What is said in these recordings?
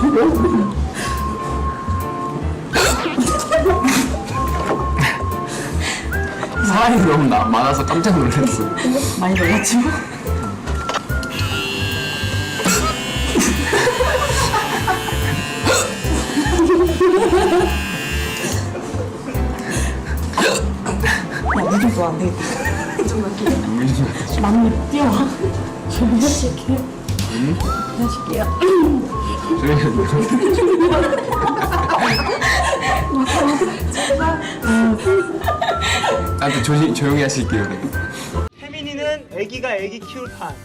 사람이 너무 많아서 깜짝 놀랐어. 많이 놀랐지 뭐. 야무좀 또 안 되겠다. 막내 뛰어와. 준비하실게요. 준비하실게요. 나한테 조용히 하실게요. 혜민이는 애기가 애기 키울 판.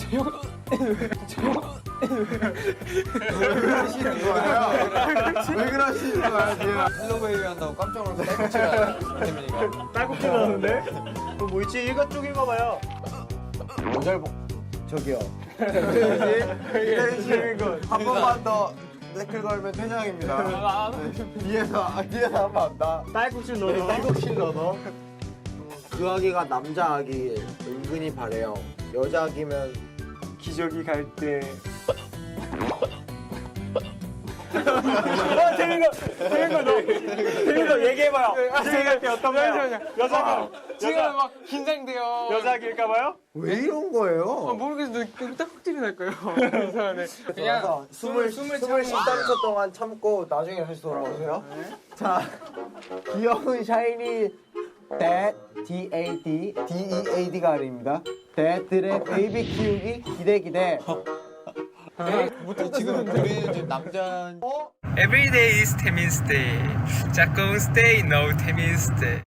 왜 그러시는 거야 지금? 헬로베이비 한다고 깜짝 놀라서 딸꾹질을 태민이가. 딸꾹질 나오는데? 뭐 있지? 일가 쪽인가 봐요. 저기요. 기다리시는 한 번만 더 댓글 걸면 퇴장입니다. 뒤에서 한번 나. 딸꾹질 넣어. 딸꾹질 넣어. 그 아기가 남자 아기 은근히 바래요. 여자 아기면 기저귀 갈 때. 재민 거 얘기해봐요. 기저귀 갈 때 어떤가요? 여자기. 지금 막 긴장돼요. 여자기일까봐요? 왜 이런 거예요? 모르겠어요. 딸꾹질이 날 거예요. 이상하네. 그래서 숨을 13초 동안 참고 나중에 다시 돌아오세요. 자, 귀여운 샤이니 DEAD가 아닙니다. 대들의 베이비 키우기 기대. 지금 우리는 지금 남자. Every day is 태민's day. 짝꿍's day, no 태민's day.